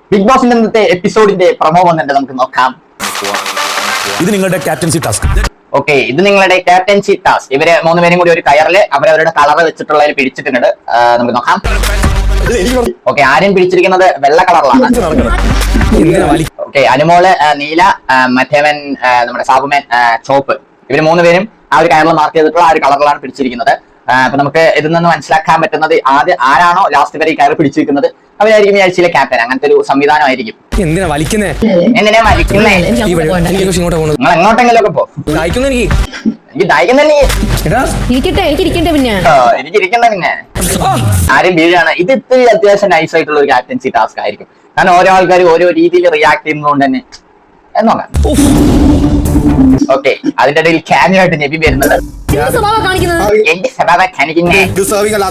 Big ബോസിന്റെ ഇന്നത്തെ എപ്പിസോഡിന്റെ promo വന്നിട്ട് നമുക്ക് നോക്കാം. ഇത് നിങ്ങളുടെ ക്യാപ്റ്റൻസി ടാസ്ക്. ഓക്കെ, ഇത് നിങ്ങളുടെ ക്യാപ്റ്റൻസി ടാസ്ക്. ഇവര് മൂന്നുപേരും കൂടി ഒരു കയറില് അവരവരുടെ കളർ വെച്ചിട്ടുള്ളതിൽ പിടിച്ചിട്ടുണ്ട്. നമുക്ക് നോക്കാം. ഓക്കെ, ആര്യൻ പിടിച്ചിരിക്കുന്നത് വെള്ള കളറിലാണ്. ഓക്കെ, അനുമോള് നീല, മറ്റേവൻ നമ്മുടെ സാബുമേൻ ചോപ്പ്. ഇവര് മൂന്നുപേരും ആ ഒരു കയറിൽ മാർക്ക് ചെയ്തിട്ടുള്ള ആ ഒരു കളറിലാണ് പിടിച്ചിരിക്കുന്നത്. അപ്പൊ നമുക്ക് ഇതിൽ നിന്ന് മനസ്സിലാക്കാൻ പറ്റുന്നത് ആരാണോ ലാസ്റ്റ് വരെ ഈ കയറി പിടിച്ചിരിക്കുന്നത് അവരായിരിക്കും ഈ ആഴ്ചയിലെ ക്യാപ്റ്റൻ. അങ്ങനത്തെ ഒരു സംവിധാനമായിരിക്കും. എന്തിനാ വലിക്കുന്നേ? എന്തിനാ വലിക്കുന്നേ? നിങ്ങൾ എങ്ങോട്ടെങ്കിലും ഒക്കെ എനിക്ക് ദാഹിക്കുന്നല്ലേ? എനിക്ക് ഇരിക്കണ്ട പിന്നെ ആരും വീഴാണ്. ഇത് ഇത്തിരി അത്യാവശ്യം നൈസ് ആയിട്ടുള്ള ഒരു ക്യാപ്റ്റൻസി ടാസ്ക് ആയിരിക്കും. കാരണം ഓരോ ആൾക്കാരും ഓരോ രീതിയിൽ റിയാക്ട് ചെയ്യുന്നതുകൊണ്ട് തന്നെ നോക്കാം. ഓക്കെ, അതിന്റെ ഇടയിൽ ക്യാമിയോ ആയിട്ട് നബി വരുന്നത് എന്റെ സ്വഭാവം കാണിക്കുന്നേ. ഡിസേർവ് അല്ലാത്ത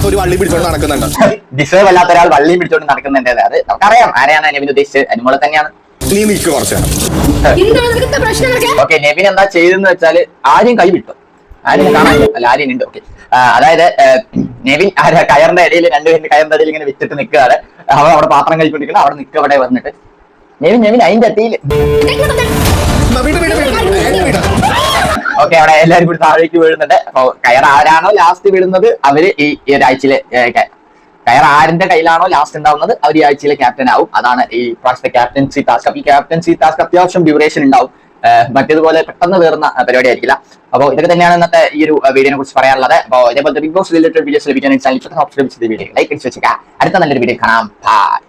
ഒരാൾ വള്ളിയും പിടിച്ചോണ്ട് നടക്കുന്നുണ്ട്. അത് നമുക്കറിയാം ആരെയാണ് നബിൻ ഉദ്ദേശിച്ചത്. അനുമോളെ തന്നെയാണ്. ഓക്കെ, നെവിൻ എന്താ ചെയ്തെന്ന് വെച്ചാല് ആരും കൈ വിട്ടു. ആരും കാണാൻ അല്ല, ആരും ഉണ്ട്. ഓക്കെ, അതായത് നെവിൻ കയറിന്റെ ഇടയിൽ രണ്ടുപേരുടെ കയറിന്റെ ഇടയിൽ ഇങ്ങനെ വിറ്റിട്ട് നിൽക്കുകയാണ്. അവൻ അവിടെ പാത്രം കഴിക്കൊണ്ടിരിക്കണം. അവിടെ നിൽക്കുക. അവിടെ വന്നിട്ട് നെവിൻ അതിന്റെ അത്തിയില്. ഓക്കെ, അവിടെ എല്ലാവരും കൂടി താഴേക്ക് വീഴുന്നുണ്ട്. അപ്പൊ കയർ ആരാണോ ലാസ്റ്റ് വീഴുന്നത് അവര് ഈ ഒരാഴ്ചയിലെ കയർ ആരിന്റെ കയ്യിലാണോ ലാസ്റ്റ് ഉണ്ടാവുന്നത് അവർ ഈ ആഴ്ചയിലെ ക്യാപ്റ്റൻ ആവും. അതാണ് ഈ പ്രാവശ്യത്തെ ക്യാപ്റ്റൻസി ടാസ്ക്. അപ്പൊ ഈ ക്യാപ്റ്റൻസി ടാസ്ക് അത്യാവശ്യം ഡ്യൂറേഷൻ ഉണ്ടാവും. മറ്റേതുപോലെ പെട്ടെന്ന് തീർന്ന പരിപാടി ആയിരിക്കില്ല. അപ്പോൾ ഇതൊക്കെ തന്നെയാണ് ഇന്നത്തെ ഈ ഒരു വീഡിയോനെ കുറിച്ച് പറയാനുള്ളത്. അപ്പോൾ ഇതേപോലത്തെ ബിഗ് ബോസ് റിലേറ്റഡ് വീഡിയോസ് ലഭിക്കാൻ ചാനൽ സബ്സ്ക്രൈബ് ചെയ്ത് വീഡിയോ ലൈക്ക് അടിച്ച് വെച്ചേക്കാം. അടുത്ത നല്ലൊരു വീഡിയോ കാണാം. ബൈ.